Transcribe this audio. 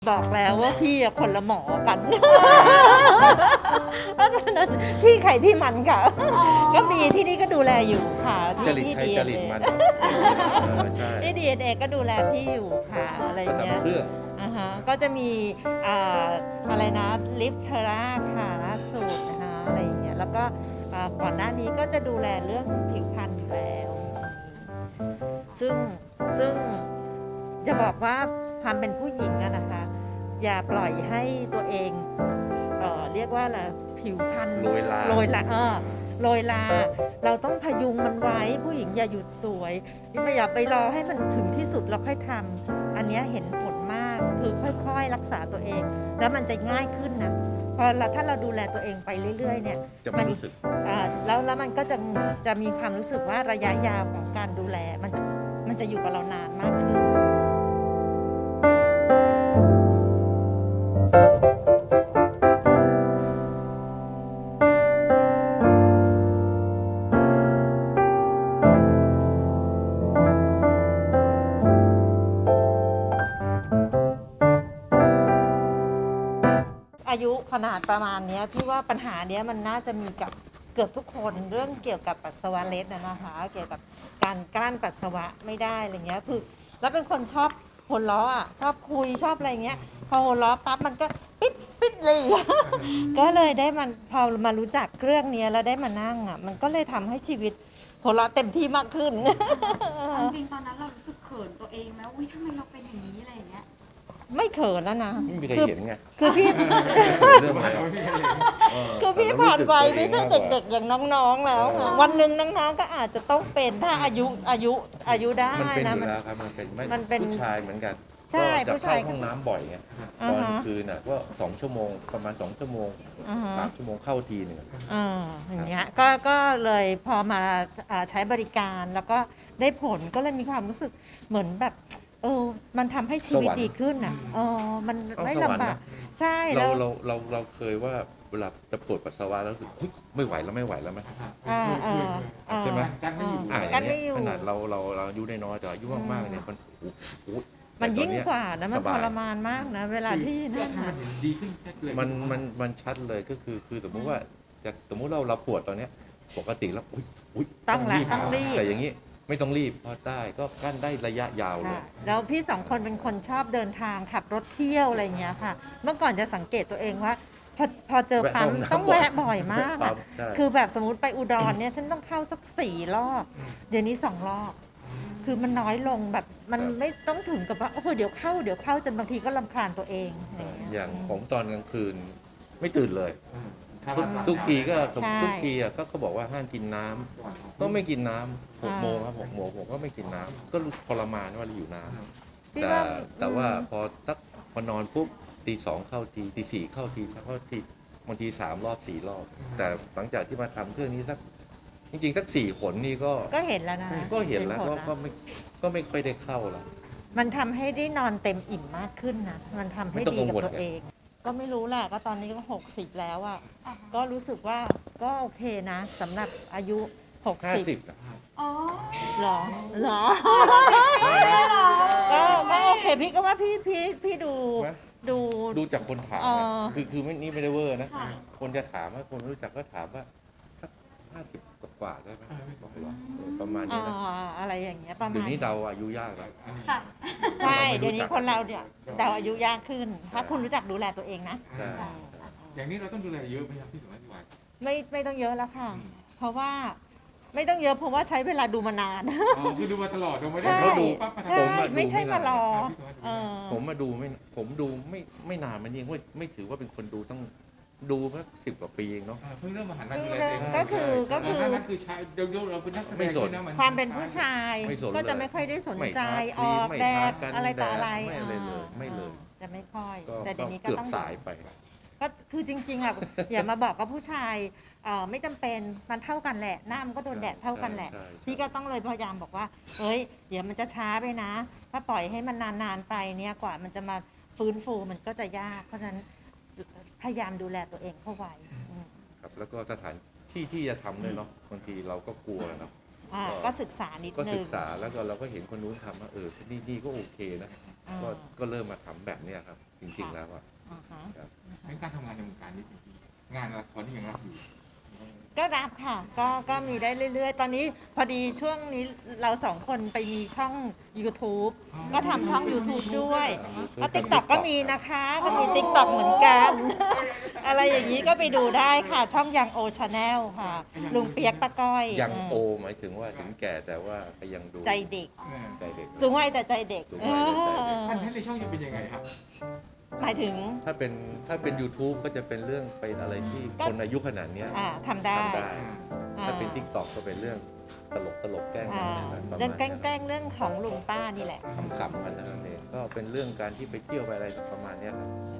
บอกแล้วว่าพี่คนละหมอกัน เพราะฉะนั้นที่ใครที่มันค่ะ ก็มีที่นี่ก็ดูแลอยู่ค่ะจริตใครจริตมันใช่ที่ DNA ก็ดูแลพี่อยู่ค่ะอะไรก็เงี้ยทำเครื่องก็จะมีอะไรนะลิฟเทอร่าค่ะล่าสุดนะคะอะไรอย่างเงี้ยแล้วก็ก่อนหน้านี้ก็จะดูแลเรื่องผิวพรรณอยู่แล้วซึ่งจะบอกว่าความเป็นผู้หญิงอะนะคะ อย่าปล่อยให้ตัวเองเรียกว่าอะไรผิวพรรณโรยลาโรยลาเราต้องพยุงมันไว้ผู้หญิงอย่าหยุดสวยไม่อย่าไปรอให้มันถึงที่สุดแล้วค่อยทำอันนี้เห็นผลมากคือค่อยๆรักษาตัวเองแล้วมันจะง่ายขึ้นนะพอถ้าเราดูแลตัวเองไปเรื่อยๆเนี่ยจะไม่รู้สึกแล้วมันก็จะมีความรู้สึกว่าระยะยาวของการดูแลมันจะอยู่กับเรานานมากขึ้นอายุขนาดประมาณนี้พี่ว่าปัญหาเนี้ยมันน่าจะมีกับเกือบทุกคนเรื่องเกี่ยวกับปัสสาวะเล็ดนะคะเกี่ยวกับการกลั้นปัสสาวะไม่ได้อะไรเงี้ยคือแล้วเป็นคนชอบหัวเราะอ่ะชอบคุยชอบอะไรเงี้ยพอหัวเราะปั๊บมันก็ปิ๊บเลย ก็เลยได้มันพอมารู้จักเรื่องนี้แล้วได้มานั่งอ่ะมันก็เลยทำให้ชีวิตหัวเราะเต็มที่มากขึ้นจริงๆตอนนั้นเรารู้สึกเขินตัวเองไหมอุ้ยทำไมเราเป็นอย่างนี้อะไรอย่างเงี้ยไม่เขินแล้วนะไม่มีใครเห็นไงคือพี่เรื่องอะไรคือพี่ผ่านไปไม่ใช่เด็กๆอย่างน้องๆแล้วค่ะวันหนึ่งน้องๆก็อาจจะต้องเป็นถ้าอายุได้มันเป็นอนะยู่แล้วครับมันเป็นผู้ชายเหมือนกันใช่ก็จะผู้ชายเข้าห้องน้ำบ่อยไงตอนคืนน่ะก็2 ชั่วโมงประมาณ2 ชั่วโมง3 ชั่วโมงเข้าทีหนึ่งอย่างเงี้ยก็เลยพอมาใช้บริการแล้วก็ได้ผลก็เลยมีความรู้สึกเหมือนแบบมันทำให้ชีวิตดีขึ้นอ่ะมันไม่ลำบากใช่เราเคยว่าเวลาจะปวดปัสสาวะแล้วรู้สึกไม่ไหวแล้วไหมใช่ไหมกันไม่อยู่ขนาดเราอายุน้อยแต่อายุมากๆเนี่ยมันยิ่งกว่านะมันทรมานมากนะเวลาที่นั่นดีขึ้นชัดเลยมันชัดเลยก็คือสมมุติว่าสมมุติเราปวดตอนเนี้ยปกติแล้วต้องรีบแต่อย่างนี้ไม่ต้องรีบพอได้ก็กั้นได้ระยะยาวเลยแล้วพี่2 คนเป็นคนชอบเดินทางขับรถเที่ยวอะไรอย่างเงี้ยค่ะเมื่อก่อนจะสังเกตตัวเองว่าพอเจอปั๊มต้องแวะบ่อยมากคือแบบสมมติไปอุดรเนี่ยฉันต้องเข้าสัก4 รอบเดี๋ยวนี้2 รอบคือมันน้อยลงแบบมันไม่ต้องถึงกับว่าโอ้โหเดี๋ยวเข้าจนบางทีก็รำคาญตัวเองอย่างของตอนกลางคืนไม่ตื่นเลยทุกทีก็เขาบอกว่าห้ามกินน้ำต้องไม่กินน้ำ6 โมงครับ6 โมงผมก็ไม่กินน้ำก็ทรมานว่าเราอยู่น้ำแต่ว่าพอนอนปุ๊บตี 2เข้าทีตี 4เข้าทีบางที3 รอบ 4 รอบแต่หลังจากที่มาทำเครื่องนี้จริงๆสัก4 ขนนี่ก็เห็นแล้วนะก็เห็นแล้วก็ไม่ค่อยได้เข้าแล้วมันทำให้ได้นอนเต็มอิ่มมากขึ้นนะมันทำให้ดีกับตัวเองก็ไม่รู้แหละก็ตอนนี้ก็60แล้วอ่ะก็รู้สึกว่าก็โอเคนะสำหรับอายุ60 อ๋อหรอก็โอเคพี่ก็ว่าพี่ดูจากคนถามคือนี่ไม่ได้เวอร์นะคนจะถามว่าคนรู้จักก็ถามว่าสัก50 กว่าได้ไหมบอกว่าประมาณนี้นะอะไรอย่างเงี้ยประมาณเดี๋ยวนี้เดาอายุยากแล้วใช่เดี๋ยวนี้คนเราเนี่ยเดาอายุยากขึ้นถ้าคุณรู้จักดูแลตัวเองนะอย่างนี้เราต้องดูแลเยอะไหมครับพี่สมัยพี่วายไม่ต้องเยอะแล้วค่ะเพราราะว่าไม่ต้องเยอะเพราะว่าใช้เวลาดูมานานคือดูมาตลอดไม่ได้ดูไม่ใช่มารอผมมาดูไม่นานมันยังไม่ถือว่าเป็นคนดูต้องดูเมื่อ10 กว่าปีเองเนาะเพิ่งเริ่มมาหันมาดูแลเองก็คือนั่นคือชายเดี๋ยวเราเป็นนักแสดงด้วยนะความเป็นผู้ชายก็จะไม่ค่อยได้สนใจออกแดดอะไรต่ออะไรไม่เลยจะไม่ค่อยแต่เดี๋ยวนี้ก็ต้องสายไปก็คือจริงๆอ่ะอย่ามาบอกว่าผู้ชายไม่จำเป็นมันเท่ากันแหละหน้ามันก็โดนแดดเท่ากันแหละพี่ก็ต้องเลยพยายามบอกว่าเฮ้ยเดี๋ยวมันจะช้าไปนะถ้าปล่อยให้มันนานๆไปเนี่ยกว่ามันจะมาฟื้นฟูมันก็จะยากเพราะฉะนั้นพยายามดูแลตัวเองเข้าไว้ครับแล้วก็สถานที่ที่จะทำด้วยเนาะบางทีเราก็กลัวเนาะก็ศึกษานิดนึงก็ศึกษาแล้วก็เราก็เห็นคนนู้นทำว่าที่นี่ก็โอเคนะก็ก็เริ่มมาทำแบบเนี้ยครับ จริงๆแล้วอ่ะอ่าฮะในการทำงานในวงการนี้จริงๆงานละครที่ยังรับอยู่ก็รับค่ะ ก็มีได้เรื่อยๆ ตอนนี้พอดีช่วงนี้เราสองคนไปมีช่อง YouTube ก็ทำช่อง YouTube ด้วยก็ TikTok ก็มีนะคะก็มี TikTok เหมือนกัน อะไรอย่างนี้ก็ไปดูได้ค่ะ ช่องยังโอชาแนลค่ะ ลุงเปียกตะก้อยยังโอหมายถึงว่าถึงแก่แต่ว่าก็ยังดูใจเด็กใจเด็กสูงวัยแต่ใจเด็กสูงวัยแต่ใจเด็กคอนเทนต์ในช่องจะเป็นยังไงครับหมายถึงถ้าเป็น YouTube ก็จะเป็นเรื่องเป็นอะไรที่คนอายุขนาดเนี้ยทำได้ทำได้อ่าถ้าเป็น TikTok ก็เป็นเรื่องตลกแกล้งอ่าประมาณเรื่องแกนี้ยล้งๆเรื่องของลุงป้านี่แหละขำๆกันนั่นเองก็เป็นเรื่องการที่ไปเที่ยวไปอะไรประมาณเนี้ยครับ